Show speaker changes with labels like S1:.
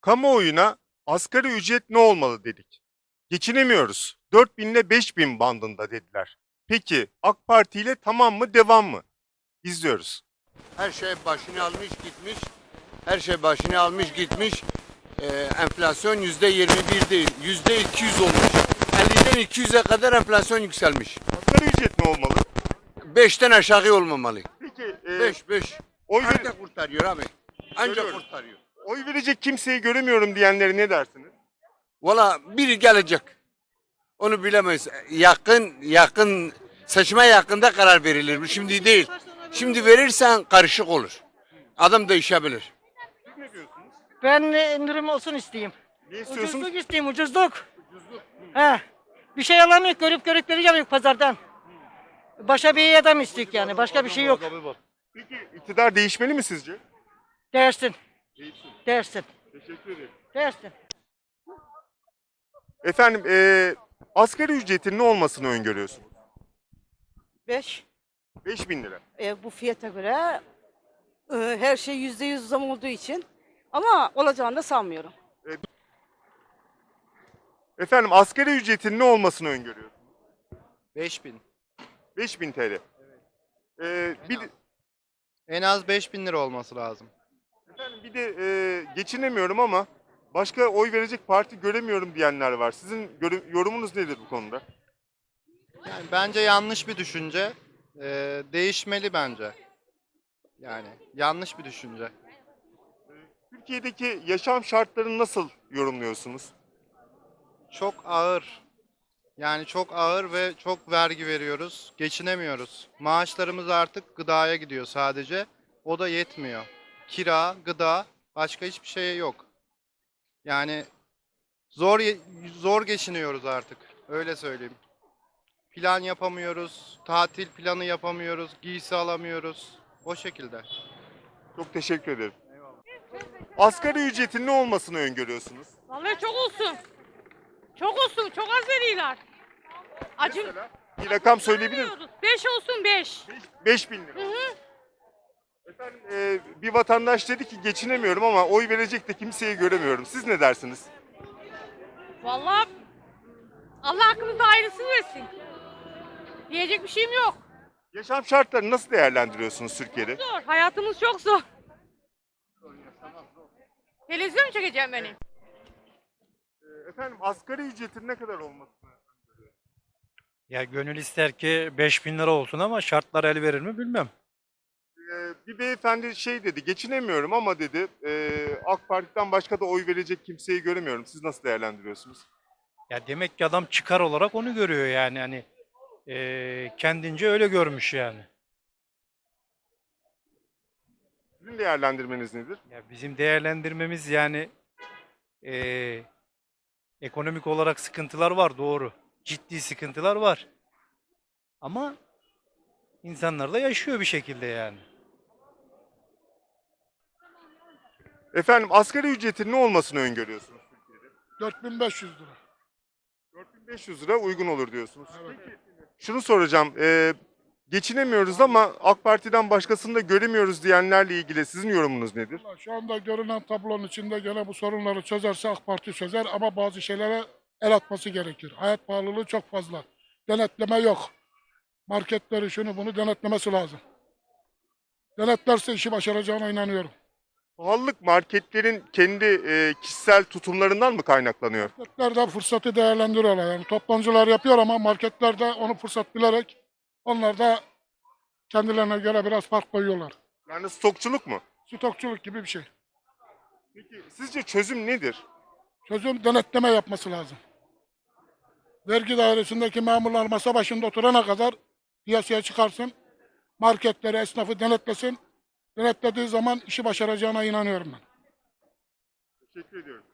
S1: Kamuoyuna asgari ücret ne olmalı dedik. Geçinemiyoruz. 4.000 ile 5.000 bandında dediler. Peki AK Parti ile tamam mı devam mı? İzliyoruz.
S2: Her şey başını almış gitmiş. Her şey başını almış gitmiş. Enflasyon %21 değil, %200 olmuş. 50'den 200'e kadar enflasyon yükselmiş.
S1: Asgari ücret ne olmalı?
S2: 5'ten aşağı olmamalı.
S1: Peki
S2: 5.
S1: oy,
S2: Ancak kurtarıyor abi. Ancak
S1: Görüyorum.
S2: kurtarıyor.
S1: oy verecek kimseyi göremiyorum diyenlere ne dersiniz?
S2: Valla biri gelecek. Onu bilemeyiz. Yakın seçime yakında karar verilir. Bu şimdi değil. Şimdi verirsen karışık olur. Adam değişebilir.
S1: Siz ne diyorsunuz?
S3: Ben indirim olsun isteyeyim.
S1: Ne istiyorsunuz?
S3: Ucuzluk isteyeyim, ucuzluk. He. Bir şey alamıyor, görüp vereceğim pazardan. Başa bir adam istiyor yani, başka bir şey yok.
S1: Peki iktidar değişmeli mi sizce?
S3: Dersin,
S1: Değişsin.
S3: dersin,
S1: Teşekkür ederim.
S3: dersin.
S1: Efendim asgari ücretin ne olmasını öngörüyorsunuz?
S4: 5.
S1: 5.000 lira.
S4: Bu fiyata göre her şey %100 zam olduğu için ama olacağını da sanmıyorum.
S1: Efendim asgari ücretin ne olmasını öngörüyorsunuz?
S5: 5000.
S1: 5.000 TL. Bir de,
S5: En az 5000 lira olması lazım.
S1: efendim bir de geçinemiyorum ama başka oy verecek parti göremiyorum diyenler var. Sizin yorumunuz nedir bu konuda?
S5: Yani bence yanlış bir düşünce. Değişmeli bence. Yani yanlış bir düşünce.
S1: Türkiye'deki yaşam şartlarını nasıl yorumluyorsunuz?
S5: Çok ağır. Yani çok ağır ve çok vergi veriyoruz. Geçinemiyoruz. Maaşlarımız artık gıdaya gidiyor sadece. O da yetmiyor. Kira, gıda, başka hiçbir şey yok. Yani zor geçiniyoruz artık. Öyle söyleyeyim. Plan yapamıyoruz, tatil planı yapamıyoruz, giysi alamıyoruz. O şekilde.
S1: Çok teşekkür ederim. Asgari ücretin ne olmasını öngörüyorsunuz?
S6: Vallahi çok olsun. Çok olsun. Çok az veriyorlar. Acı.
S1: Mesela bir rakam söyleyebilir misiniz?
S6: 5 olsun 5.
S1: 5.000 lira. Efendim bir vatandaş dedi ki geçinemiyorum ama oy verecek de kimseyi göremiyorum. Siz ne dersiniz?
S6: Vallahi Allah hakkımızda hayırlısını versin. Diyecek bir şeyim yok.
S1: Yaşam şartlarını nasıl değerlendiriyorsunuz Türkiye'de?
S6: Zor. Hayatımız çok zor. Televizyon mu çekeceğim beni?
S1: Efendim asgari ücretin ne kadar olmasını?
S7: Ya gönül ister ki 5.000 lira olsun ama şartlar el verir mi bilmem.
S1: Bir beyefendi şey dedi, geçinemiyorum ama dedi AK Parti'den başka da oy verecek kimseyi göremiyorum. Siz nasıl değerlendiriyorsunuz?
S7: Ya demek ki adam çıkar olarak onu görüyor yani hani kendince öyle görmüş yani.
S1: Sizin değerlendirmeniz nedir?
S7: Ya bizim değerlendirmemiz yani ekonomik olarak sıkıntılar var doğru. Ciddi sıkıntılar var. Ama insanlar da yaşıyor bir şekilde yani.
S1: Efendim asgari ücretin ne olmasını öngörüyorsunuz Türkiye'de?
S8: 4500 lira.
S1: 4.500 lira uygun olur diyorsunuz. Peki şunu soracağım. Geçinemiyoruz ama AK Parti'den başkasını da göremiyoruz diyenlerle ilgili sizin yorumunuz nedir?
S8: Vallahi şu anda görünen tablonun içinde gene bu sorunları çözerse AK Parti çözer ama bazı şeylere el atması gerekir. Hayat pahalılığı çok fazla. Denetleme yok. Marketleri şunu bunu denetlemesi lazım. Denetlerse işi başaracağına inanıyorum.
S1: Pahalılık marketlerin kendi kişisel tutumlarından mı kaynaklanıyor?
S8: Marketler de fırsatı değerlendiriyorlar. Yani toptancılar yapıyor ama marketler de onu fırsat bilerek onlar da kendilerine göre biraz fark koyuyorlar.
S1: Yani stokçuluk mu?
S8: Stokçuluk gibi bir şey.
S1: Peki sizce çözüm nedir?
S8: Çözüm denetleme yapması lazım. Vergi dairesindeki memurlar masa başında oturana kadar piyasaya çıkarsın. Marketleri, esnafı denetlesin. Denetlediği zaman işi başaracağına inanıyorum ben.
S1: Teşekkür ediyorum.